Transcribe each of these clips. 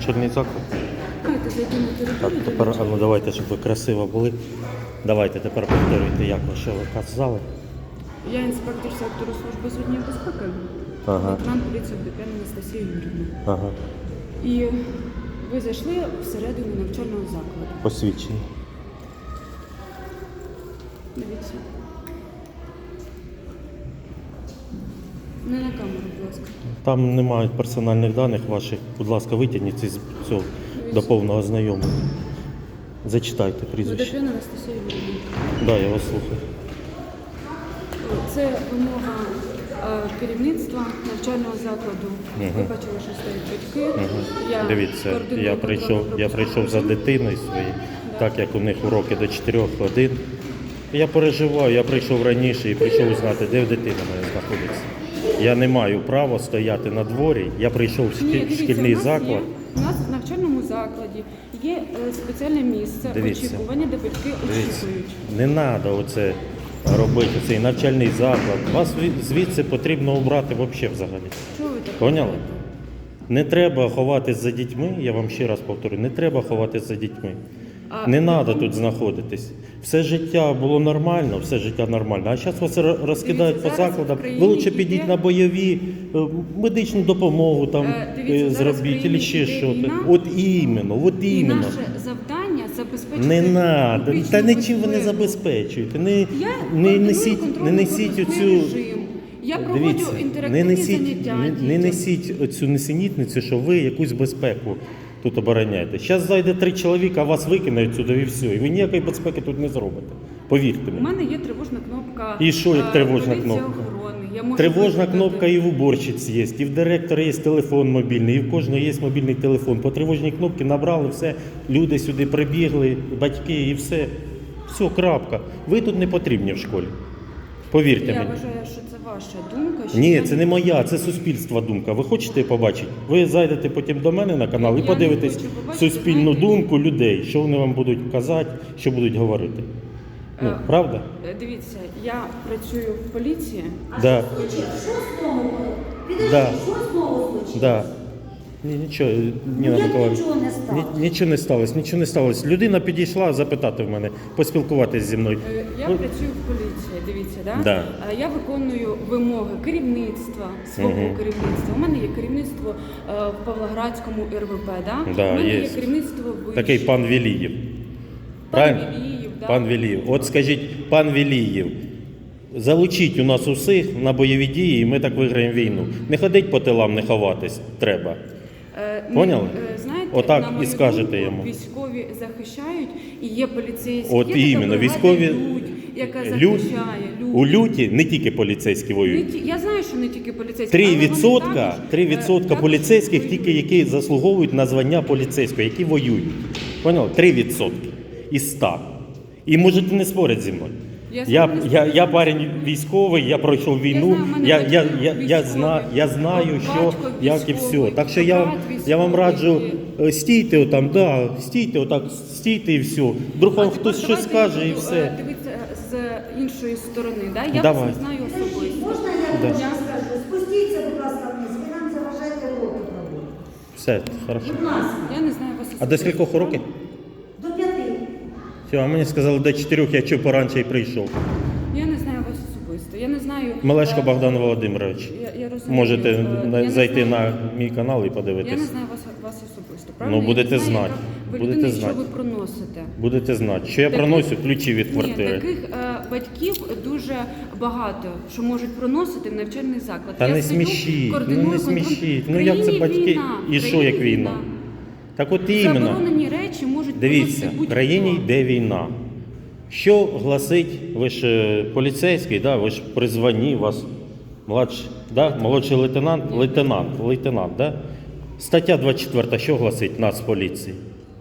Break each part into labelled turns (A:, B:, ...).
A: навчальний заклад.
B: Давайте зайдемо на
A: Так,
B: територію.
A: тепер, ну давайте, щоб ви красиво були. Давайте тепер повторюйте, як ви, що ви казали.
B: Я інспектор сектору служби з однієї безпеки.
A: Ага.
B: Лейтенант поліції Вдопян Анастасія Юрівна.
A: Ага.
B: І ви зайшли всередину навчального закладу.
A: Посвідчення.
B: Дивіться. Не на камеру, будь ласка.
A: Там немає персональних даних ваших. Будь ласка, витягніть з цього до повного знайомого. Зачитайте прізвище.
B: Вдопян Анастасія Юрівна.
A: Да, я вас слухаю.
B: Це вимога керівництва навчального закладу. Ви бачили, що стоять батьки. Я
A: Дивіться,
B: координую
A: я
B: контрольно-пропускну
A: прийшов за
B: службу.
A: дитиною своєю, так як у них уроки до 4 годин. Я переживаю, я прийшов раніше і прийшов узнати, де дитина моя знаходиться. Я не маю права стояти на дворі, я прийшов в
B: Ні, дивіться,
A: шкільний
B: у нас
A: заклад.
B: У нас в навчальному закладі є спеціальне місце
A: Дивіться.
B: очікування, де батьки очікують.
A: Не треба оце робити, цей навчальний заклад. Вас звідси потрібно обрати взагалі.
B: Чого ви так
A: Поняли?
B: робите?
A: Не треба ховатись за дітьми, я вам ще раз повторю, не треба ховатись за дітьми. Не треба тут знаходитись. Все життя було нормально, все життя нормально. А зараз вас розкидають по
B: Дивіться, зараз
A: закладам.
B: в Україні
A: Ви лучше підіть
B: йде-
A: на бойові, медичну допомогу там
B: Дивіться, зараз в
A: зробіть,
B: Україні
A: чи ще
B: йде
A: що.
B: війна.
A: От іменно.
B: І наше завдання забезпечити
A: Не треба,
B: публічну
A: та нічим ви не
B: безпеку.
A: забезпечуєте.
B: Я
A: Не
B: координую
A: несіть
B: контрольно-пропускний
A: оцю.
B: режим. Я проводжу
A: Дивіться,
B: інтерактивні заняття.
A: не
B: дітям.
A: несіть оцю несенітницю, що ви якусь безпеку тут обороняєте. Зараз зайде 3 чоловіка, вас викинають сюди і все. І ви ніякої безпеки тут не зробите. Повірте
B: У
A: мені.
B: мене є тривожна кнопка.
A: І що, як тривожна
B: поліція
A: кнопка?
B: охорони. Я можу
A: Тривожна
B: викликати.
A: кнопка і в уборщиці є, і в директора є телефон мобільний, і в кожного є мобільний телефон. По тривожній кнопці набрали все, люди сюди прибігли, батьки і все. Все, крапка. Ви тут не потрібні в школі. Повірте
B: Я
A: мені.
B: вважаю, що це ваша думка. Що
A: Ні,
B: я
A: це не моя, це суспільства думка. Ви хочете побачити? Ви зайдете потім до мене на канал і
B: Я
A: подивитесь
B: не хочу побачити,
A: суспільну
B: знаєте,
A: думку людей, що вони вам будуть казати, що будуть говорити. Ну, правда?
B: Дивіться, я працюю в поліції.
A: Да. Да.
C: Що случилось?
A: Да. Ні, нічого, Ніна Миколаївна.
C: Нічого не сталося.
A: Нічого не сталося. Людина підійшла запитати в мене, поспілкуватися зі мною.
B: Я
A: Ну,
B: працюю в поліції, дивіться, да?
A: Да.
B: Я виконую вимоги керівництва, свого керівництва. У мене є керівництво в Павлоградському РВП, да?
A: Да,
B: у мене
A: є.
B: є керівництво в
A: Такий пан Вілієв.
B: Пан
A: Правильно?
B: Вілієв, да.
A: Пан Вілієв. От скажіть, пан Вілієв, залучіть у нас усіх на бойові дії, і ми так виграємо війну. Не ходить по тилам, не ховатись треба. Поняли?
B: Знаєте,
A: Отак
B: на
A: і
B: мою
A: скажете
B: думку,
A: йому.
B: Військові захищають, і є поліцейські.
A: От
B: є така
A: іменно,
B: бригада
A: військові
B: Людь, яка
A: Лють,
B: захищає.
A: у люті не тільки поліцейські
B: Не
A: воюють.
B: Я знаю, що не тільки поліцейські.
A: 3%
B: також
A: поліцейських
B: воюють.
A: тільки, які заслуговують на звання поліцейського, які воюють. Поняли? 3% із 100. І можете не спорити зі мною. Я парень військовий, я пройшов війну, я знаю, що, як і все. Так що я вам раджу, стійте отам, да, стійте отак, стійте і все. Вдруг вам хтось щось скаже і все.
B: Дивіться з іншої сторони, да? Я
A: Давай.
B: вас не знаю особисто.
C: Можна я скажу? Спустіться, будь ласка, вниз, ви нам заважаєте уроки проводити.
A: Все, хорошо.
C: Будь ласка,
B: Я не знаю вас особисто.
A: А до скількох років?
C: до 5.
A: Все, а мені сказали до 4, я чого поранше і прийшов.
B: Я не знаю вас особисто. Я не знаю.
A: Мелешко Богдан Володимирович.
B: Я розумію.
A: Можете
B: Я не
A: зайти
B: знаю.
A: на мій канал і
B: Я
A: подивитись.
B: не знаю вас особисто, правильно?
A: Ну, будете
B: Я не знаю,
A: знати.
B: яка ви
A: Будете
B: людина,
A: знати.
B: що ви проносите.
A: Будете знати, що я
B: Таких-
A: проносю ключі від
B: Ні,
A: квартири.
B: таких батьків дуже багато, що можуть проносити в навчальний заклад.
A: Та
B: Я
A: не
B: стою,
A: смішіть,
B: координую
A: ну не
B: контроль.
A: смішіть.
B: В
A: Ну як це
B: країні
A: батьки?
B: війна,
A: І
B: в
A: що
B: країні
A: як війна? Так от іменно.
B: Заборонені речі можуть
A: Дивіться,
B: проносити
A: в країні
B: будь-хто.
A: йде війна. Що гласить, ви ж поліцейський, да? Ви ж при званні, у вас младший, да? Молодший лейтенант, да? Стаття 24, що гласить Нацполіції?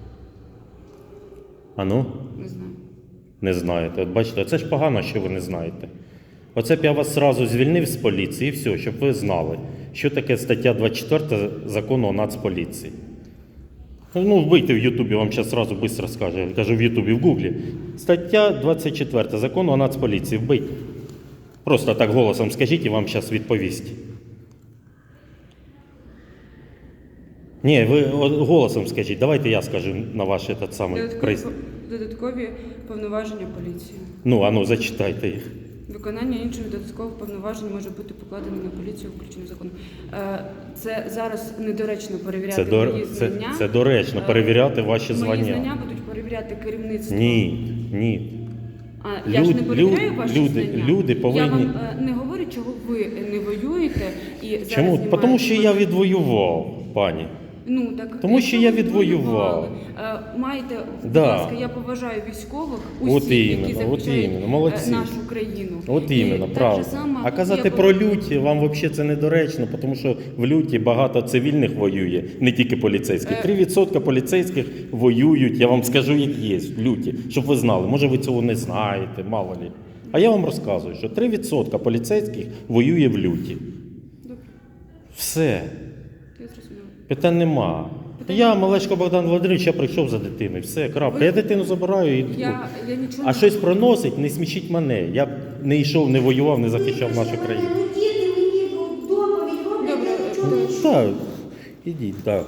A: А ну?
B: Не знаю.
A: Не знаєте. От бачите, це ж погано, що ви не знаєте. Оце б я вас зразу звільнив з поліції і все, щоб ви знали, що таке стаття 24 закону о Нацполіції. Ну, вбийте в Ютубі, вам зараз зразу швидко скаже. Я кажу в Ютубі, в Гуглі. Стаття 24 закону о Нацполіції. Вбийте. Просто так голосом скажіть і вам зараз відповість. Ні, ви голосом скажіть, давайте я скажу на ваш этот самий приз.
B: Додаткові повноваження поліції.
A: Ну, зачитайте їх.
B: Виконання інших додаткових повноважень може бути покладено на поліцію включено законом. Це зараз недоречно перевіряти мої знання.
A: Це доречно перевіряти ваші
B: Мої
A: звання.
B: знання будуть перевіряти керівництво.
A: Ні.
B: Я ж не перевіряю ваші знання.
A: Люди повинні...
B: Я вам не говорю, чого ви не воюєте і зараз
A: Чому?
B: знімаєте
A: Тому що
B: мене.
A: я відвоював, пані.
B: Ну, так,
A: Тому що
B: якщо
A: я
B: ви
A: відвоював.
B: відвоювали, маєте, будь
A: Да.
B: ласка, я поважаю військових,
A: От
B: усіх, які
A: іменно,
B: захищають
A: молодці.
B: нашу країну.
A: От
B: І
A: іменно,
B: так
A: правда.
B: же само
A: А казати
B: є
A: про люті вам взагалі це недоречно, тому що в люті багато цивільних воює, не тільки поліцейських. 3% поліцейських воюють, я вам скажу, як є в люті, щоб ви знали. Може ви цього не знаєте, мало лі. А я вам розказую, що 3% поліцейських воює в люті.
B: Добре,
A: Все.
B: я зрозуміла.
A: Питань нема. Я, Малешко Богдан Володимирович, я прийшов за дитиною. Все, крапка. Я дитину забираю і...
B: Я нічого
A: А щось проносить, не смішіть мене. Я б не йшов, не воював, не захищав нашу країну.
C: Ну, діти мені доповідь роблять, я нічого не чую.
A: Так, ідіть, так.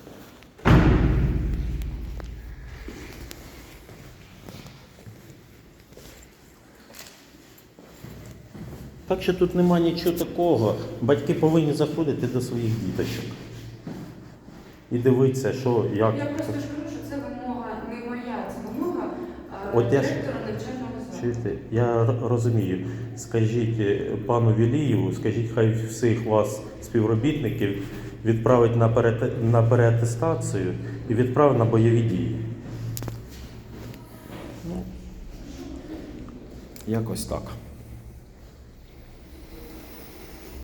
A: Так що тут нема нічого такого. Батьки повинні заходити до своїх діточок. І дивитися, що, як.
B: Я просто ж кажу, що це вимога не моя, це вимога
A: От я ж-
B: директора навчального закладу.
A: Чуєте, я розумію. Скажіть пану Вілієву, скажіть, хай всіх вас, співробітників, відправить на переатестацію і відправить на бойові дії. Ну, якось так.